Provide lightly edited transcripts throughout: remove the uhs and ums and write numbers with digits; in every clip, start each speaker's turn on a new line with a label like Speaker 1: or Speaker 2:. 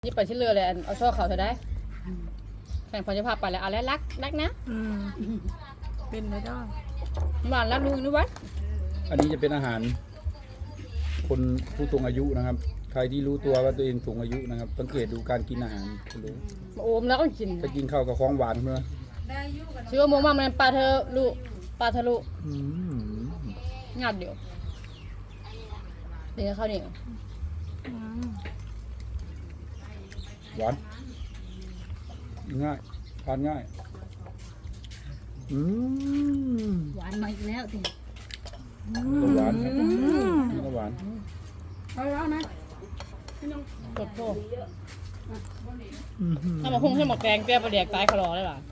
Speaker 1: นี่ไปที่เรือเลยเอาช่อเขาเธอได้แข่งพอจะพาไปแล้วเอาแล้วรักนะ
Speaker 2: เป็นไม่ได้
Speaker 1: หวานรักลุงนึกว่า
Speaker 3: อันนี้จะเป็นอาหาร คนผู้สูงอายุนะครับ ใครที่รู้ตัวว่าตัวเองสูงอายุนะครับสังเกตดูการกินอาหารจะรู้
Speaker 1: โอมแล้วก็กิน
Speaker 3: ถ้ากินข้าวกับของหวานเมื่อ
Speaker 1: ชื่อว่าโมงมามันปลาเธอลุปลาทะลุงัดเดี๋ยวเดี๋ยวข้าวเหนียว
Speaker 3: หวานง่ายทานง่ายม
Speaker 4: หวานมาอีกแล้วสิ
Speaker 3: ก็หวานครับนี่ก็หวาน
Speaker 1: เอาแล้วนะกดโทษถ้ามาพุ่งให้หมดแกงแก้ประเดี๋ยวตายขลอได้หรอ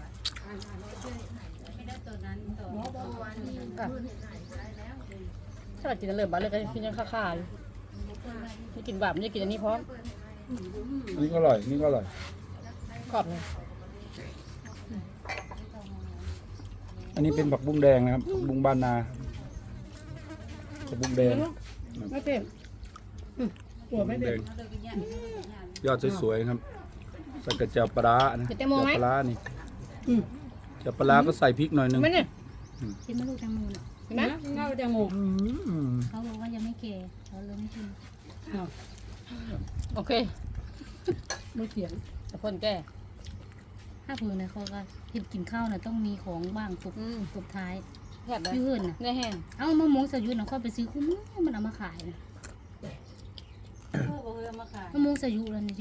Speaker 1: ถ้าเรากินเริ่มบ้านเลยก็กินยังค่าๆอยู่นี่กินแบบนี่กินอันนี้พร้อม
Speaker 3: อันนี้ก็อร่อยนี่ก็อร่อย
Speaker 1: ขอบเลย
Speaker 3: อันนี้เป็นผักบุ้งแดงนะครับผักบุ้งบ้านนาผักบุ้งแดง
Speaker 1: ไม่เต็ม
Speaker 3: ผักบุ้งแดงยอดสวยๆครับใส่กระเจียวปลาร้านะกระเจียวปลาร้านี่เจียวปลาร้าก็ใส่พริกหน่อยนึง
Speaker 1: ไม่เนี่ย
Speaker 4: กินมะลูกแตงโมน่ะ
Speaker 1: เห็นไหมเงาแตงโม
Speaker 4: เขาบอกว่ายังไม่แก่เขาเลยไม่กิน
Speaker 1: โอเคไม่เถียงแต่คนแก่
Speaker 4: ถ้าเผื่อนะเขาก็กินข้าวน่ะต้องมีของบ้างสุดท้าย
Speaker 1: แผบเลย
Speaker 4: พี่เฮิร์นน่ะ
Speaker 1: ได้แห้ง
Speaker 4: เอามะม่วงสายุน่ะเขาไปซื้อคุ้มมันเอามาขายนะมะม่วงสายุแล้วนี่